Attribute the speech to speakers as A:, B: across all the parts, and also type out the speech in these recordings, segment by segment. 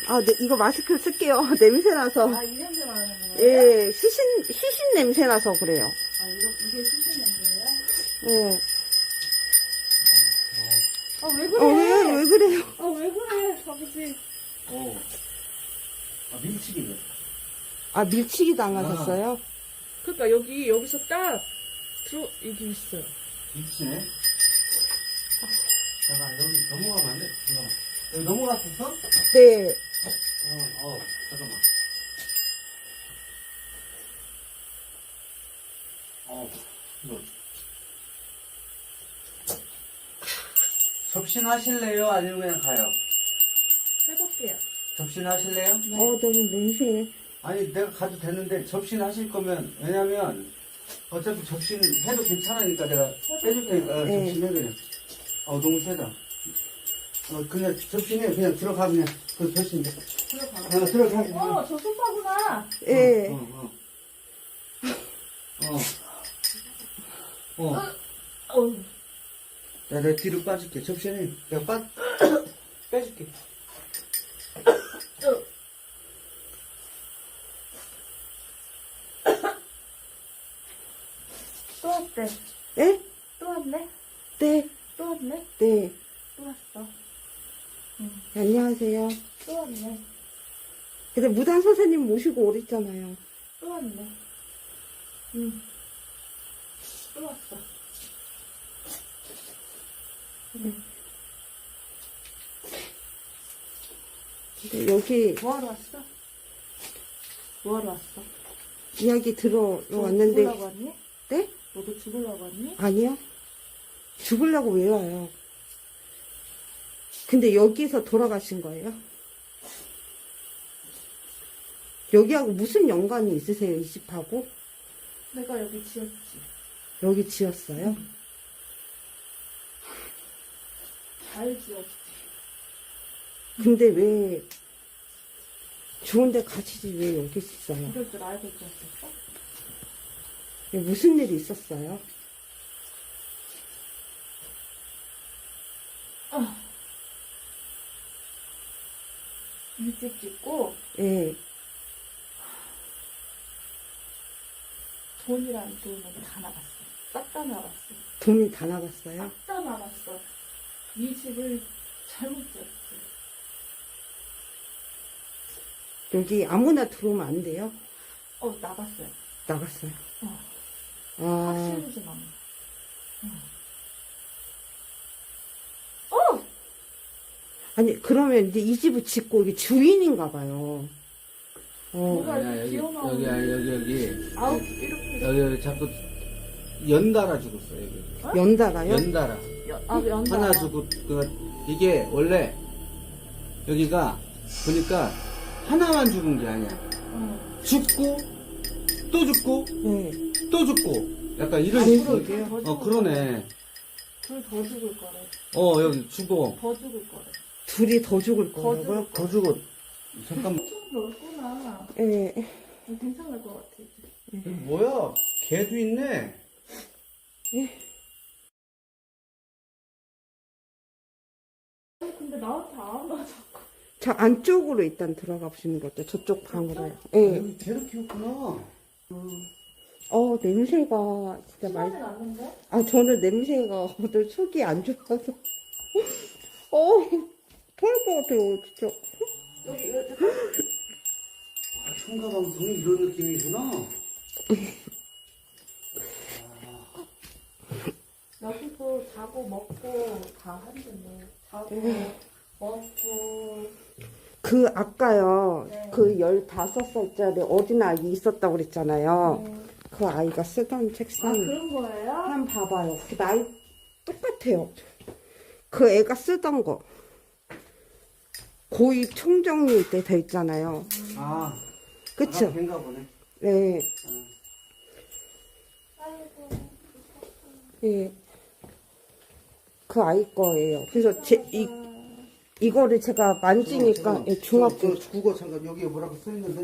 A: 아, 네, 이거 마스크 쓸게요. 냄새 나서.
B: 아, 이 냄새 나는 거예요?
A: 예, 시신 냄새 나서 그래요.
B: 아, 이게 수신 냄새예요?
A: 예.
B: 아, 왜 그래?
A: 왜 그래요?
B: 아, 왜 그래, 아버지.
C: 밀치기네.
A: 아, 밀치기 당하셨어요?
B: 그러니까 여기서 딱 여기 있어요.
C: 밀치네. 잠깐, 여기 넘어가면 안 돼? 잠깐만. 여기 넘어갔었어?
A: 네.
C: 잠깐만. 이거. 접신하실래요? 아니면 그냥 가요?
B: 해볼게요.
C: 접신하실래요?
A: 너무 냄새.
C: 아니, 내가 가도 되는데, 접신하실 거면, 왜냐면, 어차피 접신해도 괜찮으니까 내가 해줄 테니까,
A: 네.
C: 접신해, 그냥. 너무 세다. 그냥 접신해, 그냥 들어가, 그냥. 그 접신돼. 들어가.
B: 저 소파구나.
A: 예.
C: 야, 내 뒤로 빠질게. 접신해. 내가 빼줄게.
B: 또 왔대.
A: 예?
B: 또 왔네?
A: 네.
B: 또 왔네?
A: 네.
B: 또 왔어.
A: 안녕하세요.
B: 또 왔네.
A: 근데 무당 선생님 모시고 오랬잖아요.
B: 또 왔네. 또 왔어.
A: 근데 여기
B: 뭐하러 왔어? 뭐하러 왔어?
A: 이야기 들어러
B: 너
A: 왔는데.
B: 죽으려고 왔니?
A: 네?
B: 너도 죽으려고 왔니?
A: 아니요. 죽으려고 왜 와요? 근데 여기서 돌아가신 거예요? 여기하고 무슨 연관이 있으세요, 이 집하고?
B: 내가 여기 지었지.
A: 여기 지었어요?
B: 잘 지었지.
A: 근데 왜, 좋은데 가시지 왜 여기 있어요?
B: 이럴 줄 알고 지었었어?
A: 무슨 일이 있었어요?
B: 일찍 짓고
A: 예.
B: 돈이란 돈은 다 나갔어. 싹 다 나갔어.
A: 돈이 다 나갔어요?
B: 싹 다 나갔어. 이 집을 잘못 지었지.
A: 여기 아무나 들어오면 안 돼요?
B: 나갔어요.
A: 나갔어요. 아,
B: 확실히지 마.
A: 아니, 그러면 이제 이 집을 짓고 이게 주인인가 봐요.
B: 뭐가
C: 아니야,
B: 이렇게 기어나오는
C: 여기.
B: 아우, 이렇게.
C: 여기 자꾸 연달아 죽었어, 여기.
A: 연달아요?
C: 연달아.
B: 연다.
C: 하나 죽고, 이게 원래, 여기가, 보니까, 하나만 죽은 게 아니야. 죽고, 또 죽고,
A: 네.
C: 또 죽고. 약간 이런
A: 아니,
C: 식으로.
A: 그러게요.
C: 그러네.
B: 둘 더 죽을 거래.
C: 여기 죽어.
B: 더 죽을 거래.
A: 둘이 더 죽을 거라고요?
B: 죽을
C: 더 죽어. 잠깐만.
B: 좀 넓구나.
A: 예.
B: 괜찮을 것 같아, 이제.
C: 뭐야? 개도 있네.
B: 근데 나한테 안 와, 자꾸.
A: 저 안쪽으로 일단 들어가 보시는 것도 저쪽 방으로요. 예.
C: 여기 개도 키웠구나.
A: 냄새가 진짜
B: 시간이 났는데?
A: 저는 냄새가 오늘 속이 안 좋아서. 토할 것 같아요, 진짜.
B: 여기,
C: 흉가방송이 이런 느낌이구나.
B: 여기서 자고 먹고 다 한다네. 자고, 먹고.
A: 아까요,
B: 네.
A: 그 15살짜리 어린아이 있었다고 그랬잖아요.
B: 네.
A: 그 아이가 쓰던 책상.
B: 그런 거예요?
A: 한번 봐봐요. 그 나이 똑같아요. 그 애가 쓰던 거. 고2 총정리 때 돼 있잖아요. 그쵸?
C: 개인가 보네.
A: 네.
B: 아이고.
A: 예. 그 아이 거예요. 그래서 이거를 제가 만지니까 중학교.
C: 국어 잠깐 여기에 뭐라고 써있는데?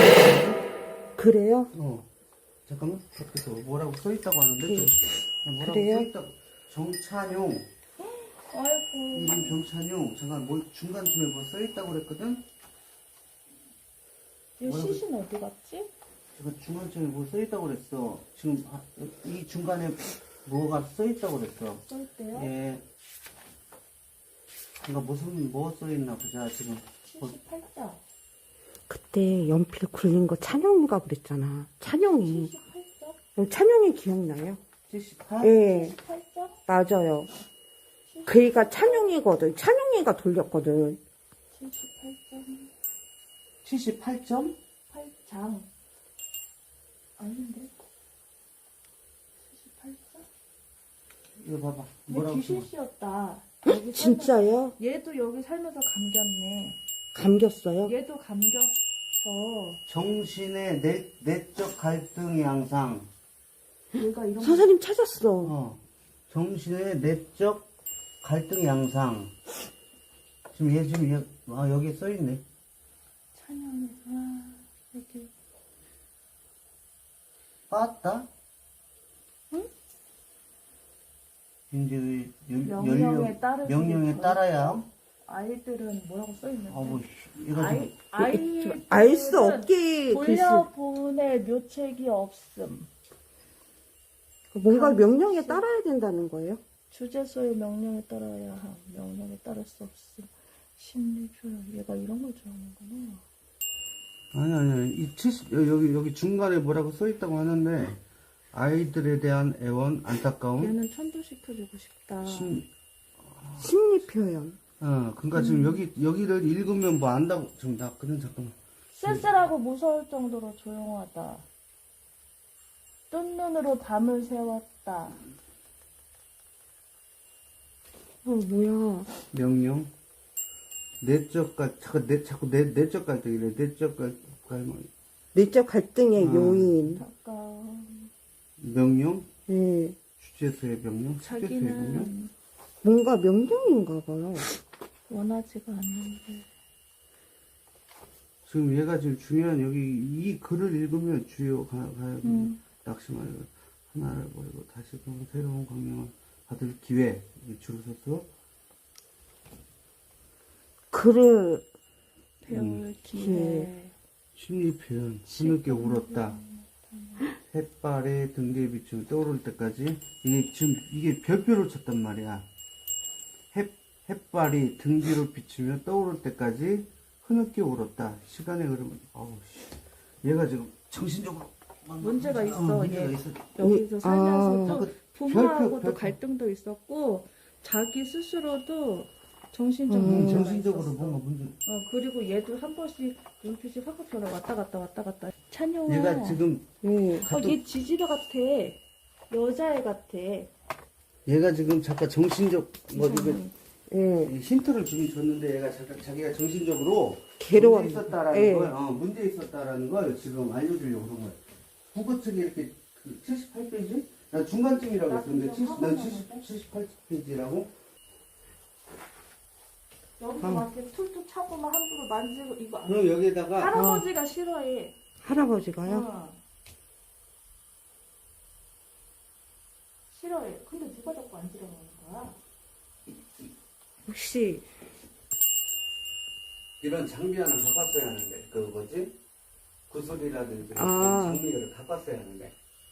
A: 그래요?
C: 잠깐만. 그래서 뭐라고 써있다고 하는데? 뭐라고
A: 그래요?
C: 써있다고. 정찬용.
B: 아이고.
C: 이름 정찬용. 잠깐 뭐 중간쯤에 뭐 써있다고 그랬거든?
B: 이 시신 어디 갔지?
C: 지금 중간쯤에 뭐 써있다고 그랬어. 지금 이 중간에 뭐가 써있다고 그랬어.
B: 쓸때요?
C: 예. 그러니까 뭐 써있나 보자, 지금.
B: 78장.
A: 그때 연필 굴린 거 찬영이가 그랬잖아. 찬영이.
B: 78장?
A: 찬영이 기억나요?
C: 78?
A: 예,
B: 78장?
A: 맞아요. 그이가 찬영이거든. 찬영이가 돌렸거든.
B: 78장.
C: 78점?
B: 8장. 아닌데? 78장?
C: 이거 봐봐.
B: 얘
C: 뭐라고
B: 귀신
C: 써?
B: 씨였다. 여기
A: 진짜요?
B: 얘도 여기 살면서 감겼네.
A: 감겼어요?
B: 얘도 감겼어.
C: 정신의 내적 갈등 양상.
B: 얘가 이런 거
A: 선생님 찾았어.
C: 정신의 내적 갈등 양상. 지금 여기 써있네.
B: 찬양이 이렇게
C: 빠았다?
B: 응?
C: 이제
B: 명령에
C: 따라야.
B: 아이들은 뭐라고 써있는데?
C: 아우, 이거 지금
A: 알 수 없게 글씨.
B: 돌려보낼 묘책이 없음.
A: 뭔가 명령에 따라야 된다는 거예요?
B: 주제소의 명령에 따라야 함. 명령에 따를 수 없음. 심리표현. 얘가 이런 걸 좋아하는구나.
C: 아니. 여기 중간에 뭐라고 써있다고 하는데, 아이들에 대한 애원, 안타까움.
B: 얘는 천도시켜주고 싶다.
A: 심리 표현.
C: 그러니까 지금 여기를 읽으면 뭐 안다고. 지금 잠깐만.
B: 쓸쓸하고 무서울 정도로 조용하다. 뜬 눈으로 밤을 새웠다.
A: 뭐야.
C: 명령. 자꾸 내적 갈등이래. 내적 갈등.
A: 내적 갈등의 요인.
B: 가까운.
C: 명령.
A: 예.
C: 주제소의 명령. 숙제소의 명령.
B: 자기는
A: 뭔가 명령인가 봐요.
B: 원하지가 않는데.
C: 지금 얘가 지금 중요한 여기 이 글을 읽으면 주요 가야 낙심하여 하나를 버리고 다시 그 새로운 광명을 받을 기회. 줄을 서서
A: 글을
B: 배울 기회.
C: 심리 표현. 흐느껴 울었다. 햇발에 등 뒤에 비추면 떠오를 때까지 이게 별표를 쳤단 말이야. 햇발이 등 뒤로 비추며 떠오를 때까지 흐느껴 울었다. 시간의 흐름은 얘가 지금 정신적으로
B: 문제가 있어.
C: 문제가
B: 얘
C: 있어.
B: 여기서 살면서 또 부모하고도
C: 별표.
B: 갈등도 있었고 자기 스스로도 정신적으로
C: 정신적으로 뭔가 문제.
B: 그리고 얘도 한 번씩 눈빛이 확확 변해 왔다 갔다. 찬영아.
C: 얘가 지금
B: 얘 지지배 같아. 여자애 같아.
C: 얘가 지금 잠깐 정신적
A: 예.
C: 힌트를 주긴 줬는데 얘가 자기가 정신적으로
A: 괴로워.
C: 문제 있었다라는
A: 예.
C: 걸 문제 있었다라는 걸 지금 알려주려고 그런 거야. 국어 측에 이렇게 78페이지? 나 중간쯤이라고 했었는데 난 78페이지라고.
B: 여기서 막 이렇게 툴툴 차고 막 함부로 만지고 이거 안
C: 그럼 여기다가
B: 할아버지가 싫어해.
A: 할아버지가요?
B: 싫어해. 근데 누가 자꾸 앉으라고 하는 거야?
A: 혹시
C: 이런 장비 하나 갖고 왔어야 하는데 그 뭐지? 구슬이라든지
A: 아.
C: 장비를 갖고 왔어야 하는데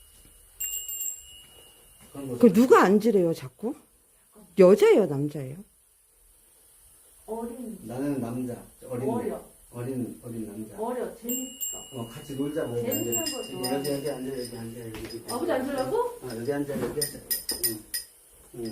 C: 그런 거.
A: 그 누가 앉으래요 자꾸? 여자예요 남자예요?
B: 어린.
C: 나는 남자
B: 어려.
C: 어린 남자.
B: 어려. 재밌어.
C: 같이 놀자고. 여기
B: 재밌는
C: 앉아.
B: 거
C: 여기
B: 좋아해.
C: 앉아 여기.
B: 아버지 앉으라고?
C: 여기 앉아. 응.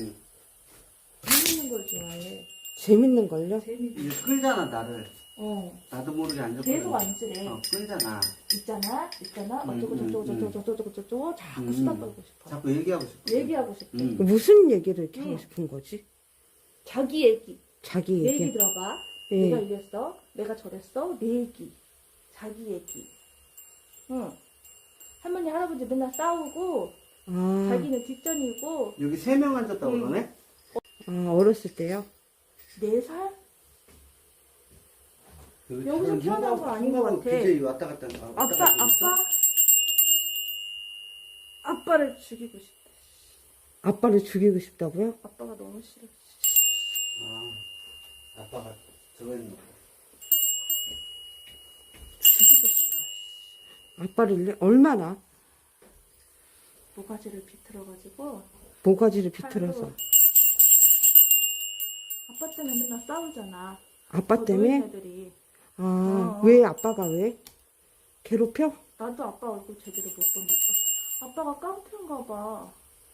B: 재밌는 걸 좋아해.
A: 재밌는 걸요?
B: 재밌어.
C: 이거 끌잖아 나를.
B: 어.
C: 나도 모르게 앉아.
B: 계속 앉으래.
C: 끌잖아.
B: 있잖아. 어쩌고 저쩌고 자꾸
C: 음.
B: 수다 떨고 싶어.
C: 자꾸 얘기하고 싶어.
B: 얘기하고 싶대.
A: 무슨 얘기를 이렇게
B: 응.
A: 하고 싶은 거지?
B: 자기 얘기.
A: 자기
B: 내
A: 얘기.
B: 얘기 들어봐.
A: 예.
B: 내가 이랬어. 내가 저랬어. 내 얘기. 자기 얘기. 응. 할머니 할아버지 맨날 싸우고
A: 아,
B: 자기는 뒷전이고
C: 여기 3명 앉았다고
B: 응.
C: 그러네?
A: 어렸을 때요?
B: 4살? 여기서 태어난 건 아닌 것 같아.
C: BJ 왔다 갔다.
B: 아빠를 죽이고 싶대.
A: 아빠를 죽이고 싶다고요?
B: 아빠가 너무 싫어.
C: 아빠가 저거 했나?
A: 아빠를 얼마나?
B: 모가지를 비틀어가지고
A: 모가지를 비틀어서.
B: 팔로. 아빠 때문에 맨날 싸우잖아.
A: 아빠
B: 저
A: 때문에?
B: 노인네들이.
A: 아,
B: 어.
A: 왜 아빠가 왜? 괴롭혀?
B: 나도 아빠 얼굴 제대로 못 보니까. 아빠가 깡패인가 봐.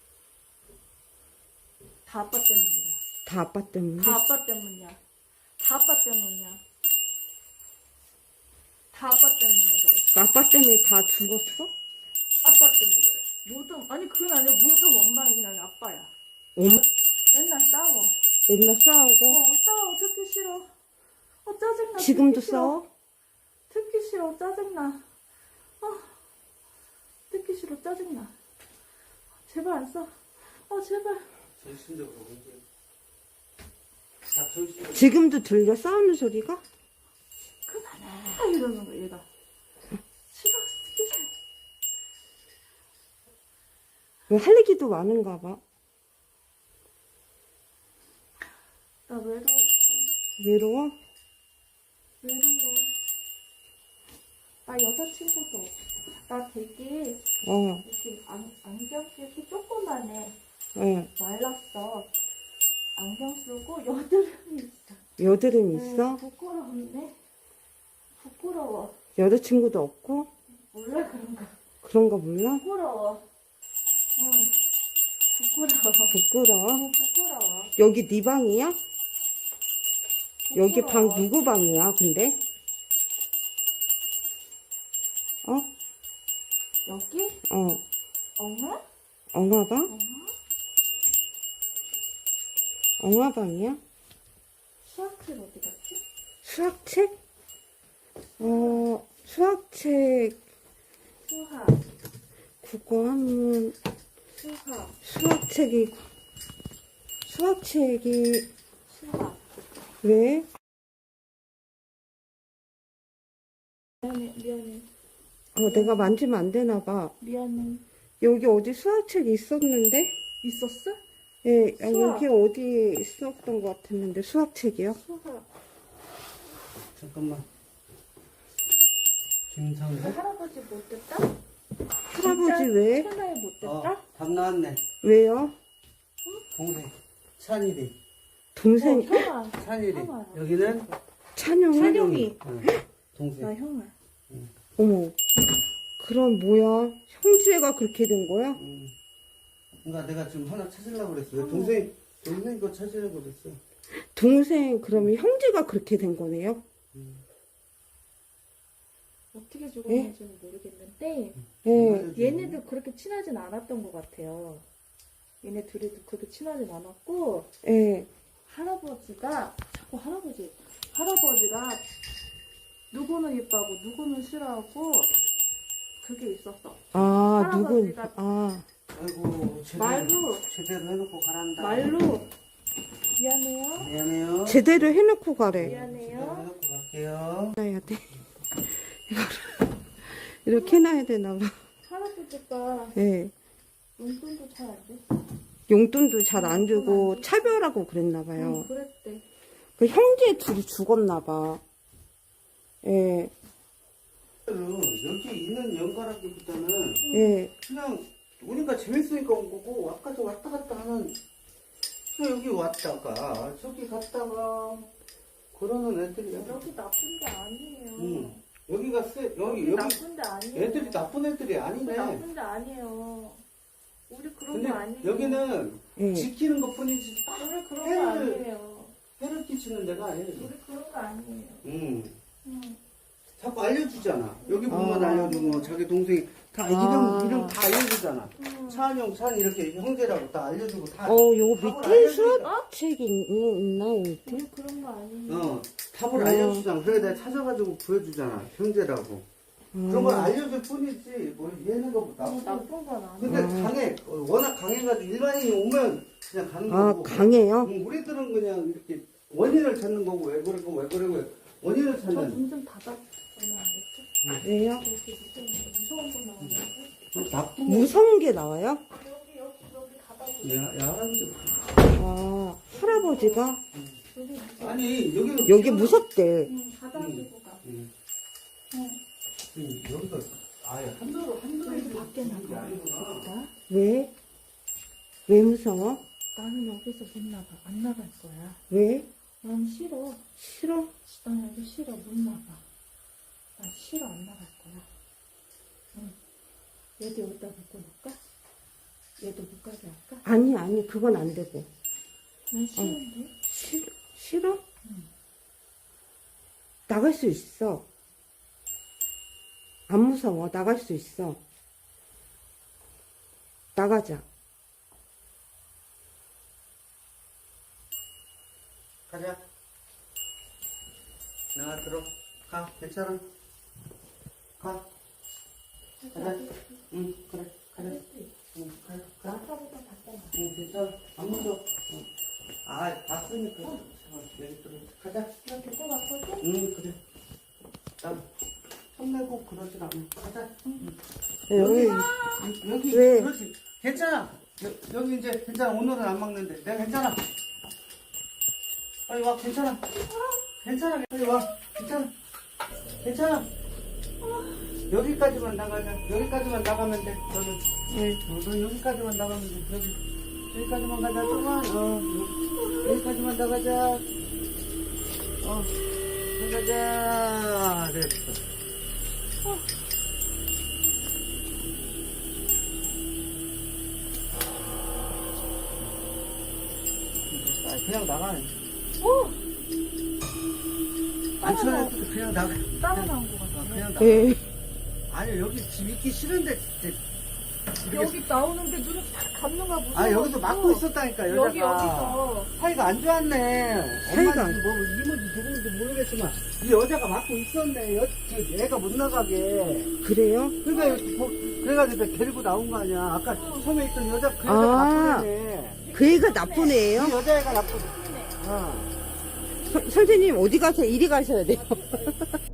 B: 다 아빠 때문이야.
A: 다 아빠 때문에?
B: 다 아빠 때문이야. 다 아빠 때문이야. 다 아빠 때문에 그래.
A: 아빠 때문에 다 죽었어?
B: 아빠 때문에 그래. 모든, 아니 그건 아니야. 모든 원망이 그냥 아빠야.
A: 엄마
B: 맨날 싸워.
A: 맨날 싸우고?
B: 싸워. 듣기 싫어. 짜증나.
A: 지금도
B: 듣기 싫어.
A: 싸워?
B: 듣기 싫어. 짜증나. 듣기 싫어. 짜증나. 제발 안 싸워. 제발.
C: 정신적으로 문제. 자, 정신적으로.
A: 지금도 들려 싸우는 소리가?
B: 그만해. 이러는 거 얘가. 싫어. 듣기 싫어.
A: 왜 할 얘기도 많은가 봐.
B: 나 외로워.
A: 외로워?
B: 외로워. 나 여자친구도 없어. 나 되게
A: 어,
B: 이렇게 안경끼 조그만해. 말랐어. 안경 쓰고 여드름이 있어.
A: 여드름 있어?
B: 부끄럽네. 부끄러워.
A: 여자친구도 없고?
B: 몰라 그런 거.
A: 그런 거 몰라?
B: 부끄러워. 응. 부끄러워.
A: 부끄러워?
B: 부끄러워.
A: 여기 네 방이야? 여기 방
B: 부끄러워.
A: 누구 방이야, 근데? 어?
B: 여기?
A: 어,
B: 엄마?
A: 엉아방?
B: 엄마?
A: 엉아방이야?
B: 수학책 어디 갔지?
A: 수학책? 수학책,
B: 수학.
A: 국어 하면,
B: 수학.
A: 수학책이,
B: 수학.
A: 왜?
B: 미안해.
A: 내가 만지면 안 되나 봐.
B: 미안해.
A: 여기 어디 수학책이 있었는데?
B: 있었어?
A: 예,
B: 수학.
A: 여기 어디 있었던 것 같았는데, 수학책이요?
B: 수학.
C: 잠깐만. 김상수?
B: 할아버지 못 됐다?
A: 할아버지 왜?
B: 천하에 못 됐다?
C: 답 나왔네.
A: 왜요?
C: 동생. 찬일이.
A: 동생,
B: 형아.
C: 찬일이.
B: 형아야.
C: 여기는
A: 찬영이?
B: 찬영이.
C: 응. 동생.
B: 나 형아.
A: 어머, 그럼 뭐야? 형제가 그렇게 된 거야?
C: 그러니까 내가 지금 하나 찾으려고 그랬어. 왜 동생 거 찾으려고 그랬어.
A: 동생, 그러면 형제가 그렇게 된 거네요?
B: 어떻게 죽었는지는 모르겠는데
A: 예,
B: 얘네들 그렇게 친하진 않았던 것 같아요. 얘네 둘이도 그렇게 친하진 않았고
A: 예.
B: 할아버지가 자꾸 할아버지가 누구는 이뻐하고 누구는 싫어하고 그게 있었어.
A: 아, 누군,
B: 할아버지가-
A: 아,
C: 아이고, 제대로 해놓고 가란다.
B: 말로 미안해요.
C: 미안해요.
A: 제대로 해놓고 가래.
C: 제대로
B: 미안해요.
C: 해놓고 갈게요.
A: 해야 돼. 이거를 이렇게 해놔야 되나 봐.
B: 할아버지가
A: 예.
B: 용돈도 잘 안 돼.
A: 용돈도 잘 안 주고 차별하고 그랬나 봐요.
B: 그랬대.
A: 그 형제 둘이 죽었나 봐. 예,
C: 여기 있는 연가라기보다는
A: 예.
C: 그냥 오니까 재밌으니까 온 거고 아까도 왔다 갔다 하는 그냥 여기 왔다가 저기 갔다가 그러는 애들이야.
B: 여기 나쁜 데 아니에요.
C: 여기가 여기
B: 나쁜 데 아니에요.
C: 애들이 나쁜 애들이 아니네.
B: 나쁜 데 아니에요. 우리 그런
C: 근데
B: 거 아니에요.
C: 여기는
A: 예.
C: 지키는 것 뿐이지
B: 우리 그런
C: 해를-
B: 거 아니에요.
C: 해를 끼치는 데가 아니에요.
B: 우리 그런 거 아니에요.
C: 응.
B: 응.
C: 자꾸 알려주잖아. 여기 보면
A: 아.
C: 알려주고 자기 동생이 다 이름 다 알려주잖아. 찬영, 찬 이렇게 형제라고 다 알려주고 다.
A: 요거
C: 답을
A: 밑에
C: 알려주잖아.
A: 수학책이 있나요, 밑에?
B: 우리 그런 거 아니에요.
C: 답을 알려주잖아. 그래 내가 찾아가지고 보여주잖아. 형제라고. 그런 걸 알려줄 뿐이지. 뭘 얘는 거 나쁜.
B: 나쁜 건 아니에요.
C: 근데 강해. 워낙 강해가지고 일반인이 오면 그냥 가는
A: 아,
C: 거고.
A: 강해요?
C: 우리들은 그냥 이렇게 원인을 찾는 거고 왜 그러고 원인을
B: 저
C: 찾는.
B: 문 좀 닫아. 얼마 안 됐죠?
A: 왜요?
B: 여기 무서운 거 나오는데?
C: 나쁜 거.
A: 무서운 게 나와요?
B: 여기 닫아보세요.
C: 야, 할아버지.
A: 아, 할아버지가?
B: 여기 무서워.
C: 아니 여기
A: 여기 무섭대.
B: 닫아주고 가.
C: 응.
B: 응.
C: 여기가 아예 한도로
B: 여기 밖에 나가.
A: 왜? 왜 무서워?
B: 나는 여기서 못 나가. 안 나갈 거야.
A: 왜?
B: 난 싫어.
A: 싫어?
B: 난 여기 싫어. 못 나가. 난 싫어. 안 나갈 거야. 응. 얘도 여기다 묶어 놓을까? 얘도 못 가게 할까?
A: 아니, 그건 안 되고.
B: 난 싫은데?
A: 싫어?
B: 응.
A: 나갈 수 있어. 안 무서워. 나갈 수 있어. 나가자.
C: 가자. 나가 들어. 가. 괜찮아. 가. 가자. 응, 그래. 가자. 응, 가자. 가.
B: 아까보다 밖에 나가.
C: 응, 괜찮아. 안 무서워. 응. 아, 봤으니까. 여기 들어. 가자.
B: 이렇게 또 갔거든?
C: 응, 그래. 난 혼내고 그러진 않아. 가자. 응.
A: 여기,
C: 여기,
A: 왜?
C: 그렇지. 괜찮아. 여기 이제 괜찮아. 오늘은 안 막는데. 내가 괜찮아. 빨리 와, 괜찮아. 괜찮아, 빨리 와. 괜찮아. 괜찮아. 여기까지만 나가자. 여기까지만 나가면 돼. 너는. 너 여기까지만 나가면 돼. 여기까지만 가자. 조금만. 여기까지만 나가자. 나가자. 됐어. 그냥 나가. 안 쳐내도 그냥 나가.
B: 따로 나온 거 같아.
C: 그냥 나가.
A: 왜?
C: 아니, 여기 집 있기 싫은데.
B: 여기 나오는데 눈을 딱 감는가 무서워.
C: 아, 여기서 막고 있었다니까, 여자가.
B: 여기서.
C: 사이가 안 좋았네.
A: 사이가
C: 엄마인지 뭐, 이모인지 누구인지 모르겠지만, 이 여자가 막고 있었네. 애가 못 나가게.
A: 그래요?
C: 그러니까, 그래가지고 내가 데리고 나온 거 아니야. 아까 처음에 있던 여자, 그 여자
A: 아.
C: 나쁜 애네.
A: 그 애가 나쁜 애예요?
C: 이 여자애가 나쁜 애.
A: 선생님 어디 가세요? 이리 가셔야 돼요.